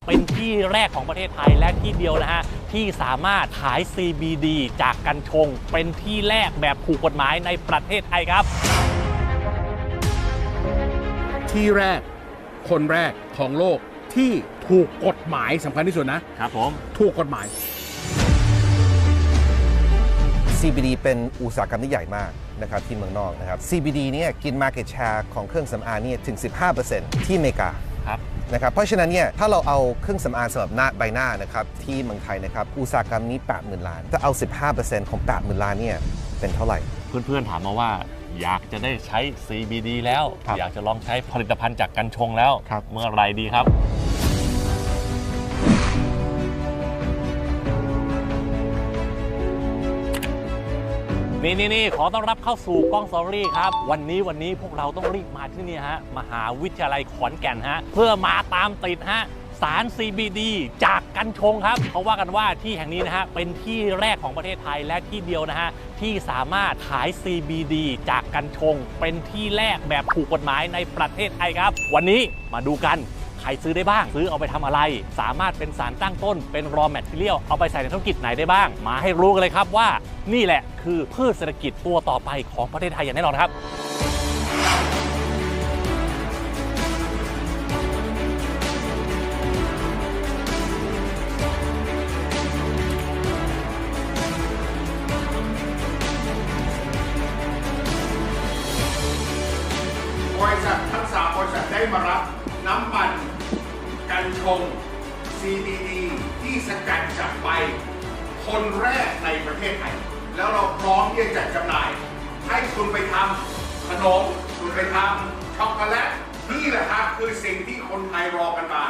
เป็นที่แรกของประเทศไทยและที่เดียวนะฮะที่สามารถขาย CBD จากกัญชงเป็นที่แรกแบบถูกกฎหมายในประเทศไทยครับที่แรกคนแรกของโลกที่ถูกกฎหมายสำคัญที่สุดนะครับผมถูกกฎหมาย CBD เป็นอุตสาหกรรมที่ใหญ่มากนะครับที่เมืองนอกนะครับ CBD เนี่ยกิน market share ของเครื่องสำอางเนี่ยถึง 15% ที่อเมริกาครับนะครับเพราะฉะนั้นเนี่ยถ้าเราเอาเครื่องสำอางสำหรับหน้าใบหน้านะครับที่เมืองไทยนะครับอุตสาหกรรมนี้ 80,000 ล้านถ้าเอา 15% ของ 80,000 ล้านเนี่ยเป็นเท่าไหร่เพื่อนๆถามมาว่าอยากจะได้ใช้ CBD แล้วอยากจะลองใช้ผลิตภัณฑ์จากกัญชงแล้วเมื่อไรดีครับนี่ขอต้อนรับเข้าสู่กล้องสตอรี่ครับวันนี้พวกเราต้องรีบมาที่นี่ฮะมหาวิทยาลัยขอนแก่นฮะเพื่อมาตามติดฮะสาร CBD จากกัญชงครับเขาว่ากันว่าที่แห่งนี้นะฮะเป็นที่แรกของประเทศไทยและที่เดียวนะฮะที่สามารถขาย CBD จากกัญชงเป็นที่แรกแบบถูกกฎหมายในประเทศไทยครับวันนี้มาดูกันใครซื้อได้บ้างซื้อเอาไปทำอะไรสามารถเป็นสารตั้งต้นเป็น raw material เอาไปใส่ในธุรกิจไหนได้บ้างมาให้รู้กันเลยครับว่านี่แหละคือพืชเศรษฐกิจตัวต่อไปของประเทศไทยอย่างแน่นอนครับบริษัททั้ง3บริษัทได้มารับน้ำมันกัญชง CBD ที่สกัดจากใบคนแรกในประเทศไทยแล้วเราพร้อมที่จะจัดจำหน่ายให้คุณไปทำขนมคุณไปทำช็อกโกแลตนี่แหละครับคือสิ่งที่คนไทยรอกันมา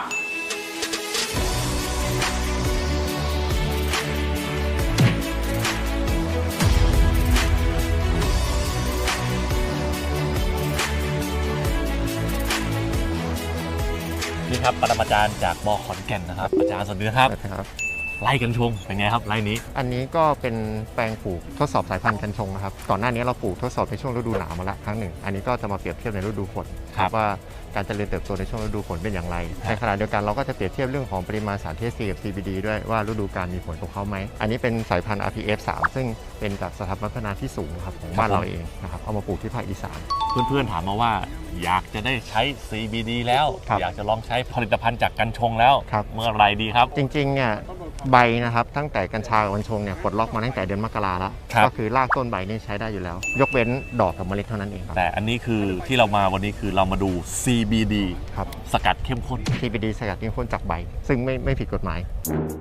นี่ครับปรมาจารย์จากม.ขอนแก่นนะครับอาจารย์สวัสดีครับไร่กัญชงเป็นไงครับไร่นี้อันนี้ก็เป็นแปลงปลูกทดสอบสายพันธุ์กัญชงนะครับก่อนหน้านี้เราปลูกทดสอบในช่วงฤดูหนาวมาละครั้งหนึ่งอันนี้ก็จะมาเปรียบเทียบในฤดูฝนว่าการเจริญเติบโตในช่วงฤดูฝนเป็นอย่างไรในขณะเดียวกันเราก็จะเปรียบเทียบเรื่องของปริมาณสาร THC กับ CBD ด้วยว่าฤดูกาลมีผลกับเขาไหมอันนี้เป็นสายพันธุ์ RPF 3 ซึ่งเป็นจากสถาบันพัฒนาที่สูงครับของบ้านเราเองนะครับเอามาปลูกที่ภาคอีสานเพื่อนๆถามมาว่าอยากจะได้ใช้ CBD แล้วอยากจะลองใช้ผลิตภัณฑ์จากกัญชงแล้วเมื่อไรดีครับจริงๆเนี่ยใบนะครับตั้งแต่กัญชากับกัญชงเนี่ยปลดล็อกมาตั้งแต่เดือนมกราแล้วก็คือรากต้นใบนี่ใช้ได้อยู่แล้วยกเว้นดอกกับเมล็ดเท่านั้นเองครับแต่อันนี้คือที่เรามาวันนี้คือเรามาดู CBD ครับสกัดเข้มข้น CBD สกัดเข้มข้นจากใบซึ่งไม่ผิดกฎหมาย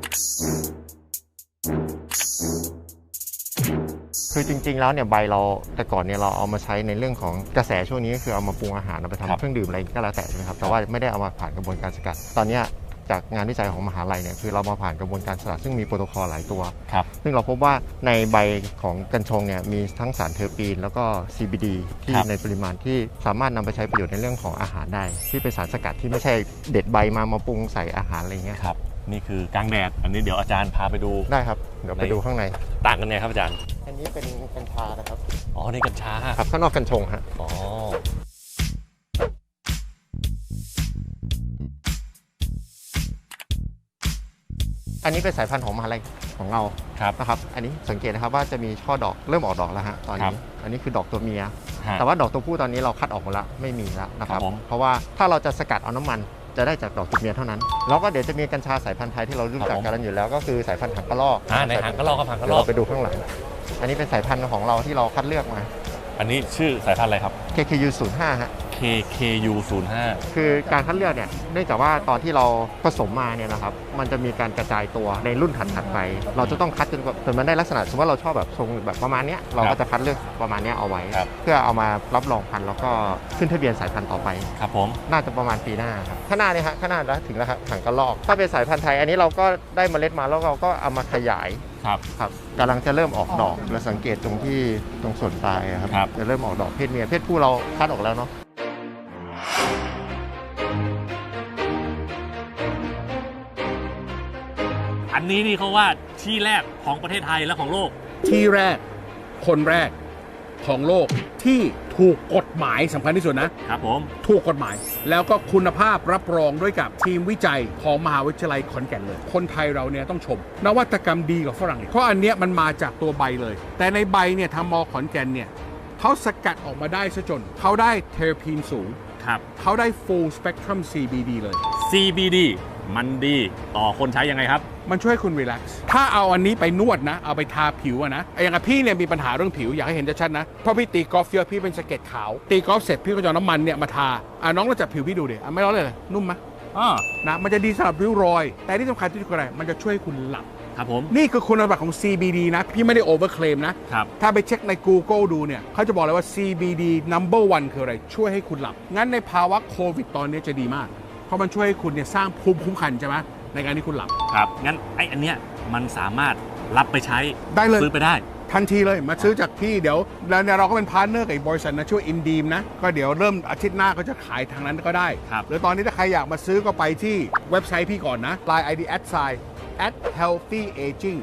คือจริงๆแล้วเนี่ยใบเราแต่ก่อนเนี่ยเราเอามาใช้ในเรื่องของกระแสช่วงนี้ก็คือเอามาปรุงอาหารเอาไปทำเครื่องดื่มอะไรก็แล้วแต่ใช่ไหมครับแต่ว่าไม่ได้เอามาผ่านกระบวนการสกัดตอนนี้จากงานวิจัยของมหาลัยเนี่ยคือเรามาผ่านกระบวนการสกัดซึ่งมีโปรโตคอลหลายตัวซึ่งเราพบว่าในใบของกัญชงเนี่ยมีทั้งสารเทอร์ปีนแล้วก็ CBD ที่ในปริมาณที่สามารถนำไปใช้ประโยชน์ในเรื่องของอาหารได้ที่เป็นสารสกัดที่ไม่ใช่เด็ดใบมาปรุงใส่อาหารอะไรเงี้ยครับนี่คือกลางแดดอันนี้เดี๋ยวอาจารย์พาไปดูได้ครับเดี๋ยวไปดูข้างในต่างกันไงครับอาจารย์อันนี้เป็นกัญชานะครับอ๋อนี่กัญชาครับข้างนอกกัญชงฮะอ๋ออันนี้เป็นสายพันธุ์ของมหาลัยของเรานะครับอันนี้สังเกตนะครับว่าจะมีช่อดอกเริ่มออกดอกแล้วฮะตอนนี้อันนี้คือดอกตัวเมียแต่ว่าดอกตัวผู้ตอนนี้เราคัดออกหมดแล้วไม่มีแล้วนะครับเพราะว่าถ้าเราจะสกัดเอาน้ำมันจะได้จากดอกตัวเมียเท่านั้นแล้วก็เดี๋ยวจะมีกัญชาสายพันธุ์ไทยที่เรารู้จักกันอยู่แล้วก็คือสายพันธุ์หางกระรอกในหางกระรอกกับหางกระรอกไปดูข้างหลังอันนี้เป็นสายพันธุ์ของเราที่เราคัดเลือกมาอันนี้ชื่อสายพันธุ์อะไรครับ KKU 05ฮะ KKU 05 คือการคัดเลือกเนี่ยเนื่องจากว่าตอนที่เราผสมมาเนี่ยนะครับมันจะมีการกระจายตัวในรุ่นถัดไปเราจะต้องคัดจนมันได้ลักษณะสมมติว่าเราชอบแบบทรงแบบประมาณนี้เราก็จะคัดเลือกประมาณนี้เอาไว้เพื่อเอามารับรองพันธุ์แล้วก็ขึ้นทะเบียนสายพันธุ์ต่อไปครับผมน่าจะประมาณปีหน้าครับข้างหน้านี่ฮะข้างหน้าแล้วถึงแล้วครับหางกระรอกถ้าเป็นสายพันธุ์ไทยอันนี้เราก็ได้เมล็ดมาแล้วเราก็เอามาขยายครับกำลังจะเริ่มออกดอกเราสังเกตตรงส่วนปลายครับจะเริ่มออกดอกเพศเมียเพศผู้เราคัดออกแล้วเนาะอันนี้นี่เขาว่าที่แรกของประเทศไทยและของโลกที่แรกคนแรกของโลกที่ถถูกกฎหมายสำคัญที่สุดนะครับผมถูกกฎหมายแล้วก็คุณภาพรับรองด้วยกับทีมวิจัยของมหาวิทยาลัยขอนแก่นเลยคนไทยเราเนี่ยต้องชมนวัตกรรมดีกว่าฝรั่งเพราะอันเนี้ยมันมาจากตัวใบเลยแต่ในใบเนี่ยทางมขอนแก่นเนี่ยเขาสกัดออกมาได้ซะจนเขาได้เทอร์พีนสูงครับเขาได้ full spectrum CBD เลย CBD มันดีต่อคนใช้ยังไงครับมันช่วยคุณรีแลกซ์ถ้าเอาอันนี้ไปนวดนะเอาไปทาผิวอะนะอย่างกับพี่เนี่ยมีปัญหาเรื่องผิวอยากให้เห็นชัดๆนะเพราะพี่ตีกอล์ฟเยอะพี่เป็นสะเก็ดขาวตีกอล์ฟเสร็จพี่ก็จะเอาน้ำมันเนี่ยมาทาน้องเราจับผิวพี่ดูดิไม่ร้อนเลยนุ่มไหมนะมันจะดีสำหรับริ้วรอยแต่ที่สำคัญที่สุดคืออะไรมันจะช่วยคุณหลับครับผมนี่คือคุณสมบัติของ CBD นะ พี่ไม่ได้โอเวอร์เคลมนะครับถ้าไปเช็คใน Google ดูเนี่ยเขาจะบอกเลยว่า CBD number one คืออะไร ช่วยให้คุณหลับ งั้นในภาวะโควิดตอนนี้จะดีมาก เพราะมันช่วยให้คุณเนี่ยสร้างภูมิคุ้มกันใช่ไหมในการที่คุณหลับครับ งั้นไอ้อันเนี้ยมันสามารถรับไปใช้ได้เลยซื้อไปได้ทันทีเลยมาซื้อจากพี่เดี๋ยวแล้วเนี่ยเราก็เป็นพาร์ทเนอร์กับอีกบริษัทนะชื่ออินดีมนะ ก็เดี๋ยวเริ่มอาทิตย์หน้าก็จะขายทางนั้นก็ได้ครับหรือตอนนี้ถ้าใครอยากมาซื้อก็ไปที่เว็บไซต์พี่ก่อนนะ Line ID @healthy aging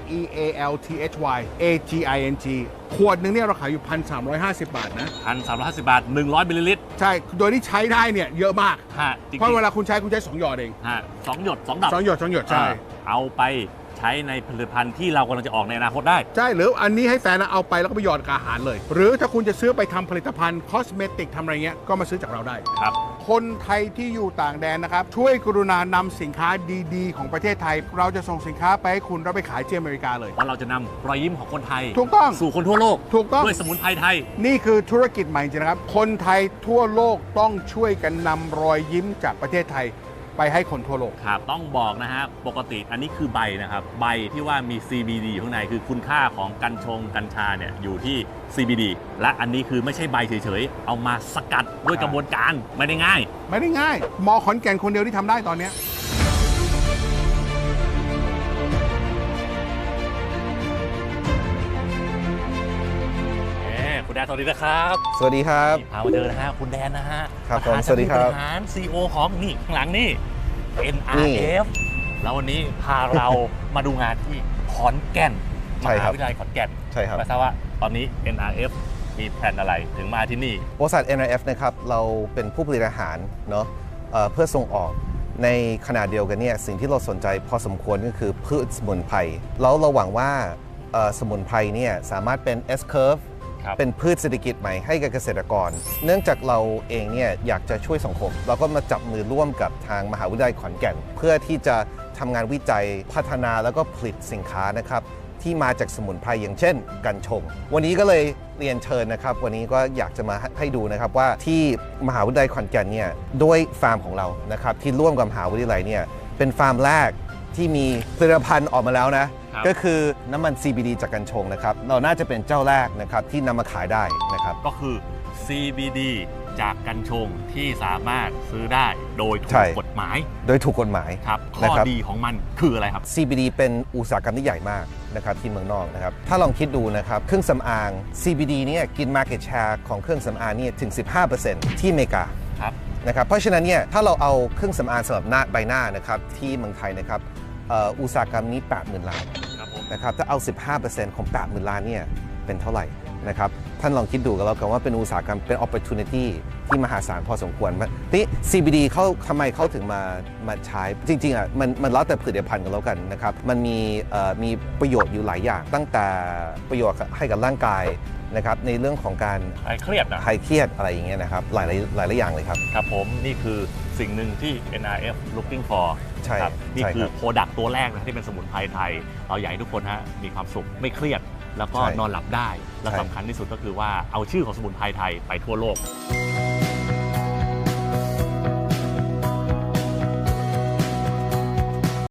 HEALTHY AGING ขวดหนึงเนี่ยเราขายอยู่ 1,350 บาทนะ 1,350 บาท 100 มิลลิลิตรใช่ โดยที่ใช้ได้เนี่ยเยอะมากฮะจริงๆเพราะเวลาคุณใช้2 หยอดเองฮะ2 หยด 2 ดับ 2 หยดใช่เอาไปใช้ในผลิตภัณฑ์ที่เรากำลังจะออกในอนาคตได้ใช่ หรืออันนี้ให้แฟนนะเอาไปแล้วก็ไปหยอดกับอาหารเลย หรือถ้าคุณจะซื้อไปทำผลิตภัณฑ์คอสเมติกทำอะไรเงี้ยก็มาซื้อจากเราได้ครับคนไทยที่อยู่ต่างแดนนะครับ ช่วยกรุณานำสินค้าดีๆ ของประเทศไทย เราจะส่งสินค้าไปให้คุณแล้วไปขายที่อเมริกาเลยว่าเราจะนำรอยยิ้มของคนไทยถูกต้องสู่คนทั่วโลกถูกต้องด้วยสมุนไพรไทยนี่คือธุรกิจใหม่จริงๆนะครับ คนไทยทั่วโลกต้องช่วยกันนำรอยยิ้มจากประเทศไทยไปให้คนทั่วโลกครับ ต้องบอกนะฮะ ปกติอันนี้คือใบนะครับ ใบที่ว่ามี CBD อยู่ข้างในคือคุณค่าของกัญชงกัญชาเนี่ยอยู่ที่ CBD และอันนี้คือไม่ใช่ใบเฉยๆ เอามาสกัดด้วยกระบวนการไม่ได้ง่ายไม่ได้ง่ายมอขอนแก่นคนเดียวที่ทำได้ตอนเนี้ยคุณแดนสวัสดีนะครับสวัสดีครับพามาเจอนะฮะคุณแดนนะฮะครับผมปะธานสวัสดีครับผู้บริหาร CEO ของนี่ข้างหลังนี่ NRF แล้ววันนี้พาเรามาดูงานที่ขอนแก่นมใช่คหารับวิทยาลัยขอนแก่นใช่ครับไม่ทราบว่าตอนนี้ NRF มีแผนอะไรถึงมาที่นี่บริษัท NRF นะครับเราเป็นผู้ผลิตอาหารเนาะเพื่อส่งออกในขณะเดียวกันเนี่ยสิ่งที่เราสนใจพอสมควรก็คือพืชสมุนไพรแล้วเราหวังว่าสมุนไพรเนี่ยสามารถเป็น S curve ครับเป็นพืชเศรษฐกิจใหม่ให้กับเกษตรกร เนื่องจากเราเองเนี่ยอยากจะช่วยสังคม เราก็มาจับมือร่วมกับทางมหาวิทยาลัยขอนแก่น เพื่อที่จะทำงานวิจัยพัฒนาแล้วก็ผลิตสินค้านะครับที่มาจากสมุนไพรอย่างเช่นกัญชง วันนี้ก็เลยเรียนเชิญนะครับวันนี้ก็อยากจะมาให้ดูนะครับว่าที่มหาวิทยาลัยขอนแก่นเนี่ยด้วยฟาร์มของเรานะครับที่ร่วมกับมหาวิทยาลัยเนี่ยเป็นฟาร์มแรกที่มีผลิตภัณฑ์ออกมาแล้วนะครับ ก็คือน้ำมัน CBD จากกัญชงนะครับเราน่าจะเป็นเจ้าแรกนะครับที่นำมาขายได้นะครับก็คือ CBD จากกัญชงที่สามารถซื้อได้โดยถูใช่กกฎหมายโดยถูกกฎหมายครับนะข้อครับดีของมันคืออะไรครับ CBD เป็นอุตสาหกรรมที่ใหญ่มากนะครับที่เมืองนอกนะครับถ้าลองคิดดูนะครับเครื่องสำอาง CBD เนี่ยกิน market share ของเครื่องสำอางเนี่ยถึง 15% ที่อเมริกาครับนะครับเพราะฉะนั้นเนี่ยถ้าเราเอาเครื่องสำอางสำหรับหน้าใบหน้านะครับที่เมืองไทยนะครับอุตสาหกรรมนี้ 80,000 ล้านครับผมนะครับถ้าเอา 15% ของ 80,000 ล้านเนี่ยเป็นเท่าไหร่นะครับท่านลองคิดดูกันแล้วกันว่าเป็นอุตสาหกรรมเป็น opportunity ที่มหาศาลพอสมควรนี่ CBD เขาทำไมเขาถึงมาใช้จริงๆอ่ะมันแล้วแต่ผลิตภัณฑ์กันแล้วกันนะครับมันมีประโยชน์อยู่หลายอย่าง ตั้งแต่ประโยชน์ให้กับร่างกายนะครับในเรื่องของการคลายเครียดนะคลายเครียดอะไรอย่างเงี้ยนะครับหลายอย่างเลยครับครับผมนี่คือสิ่งหนึ่งที่ NRF looking for ใช่ครับนี่ใช่คือครับโปรดักต์ตัวแรกนะที่เป็นสมุนไพรไทย เราอยากให้ทุกคนฮะมีความสุขไม่เครียด แล้วก็ใช่นอนหลับได้ และใช่สำคัญที่สุดก็คือว่าเอาชื่อของสมุนไพรไทยไปทั่วโลก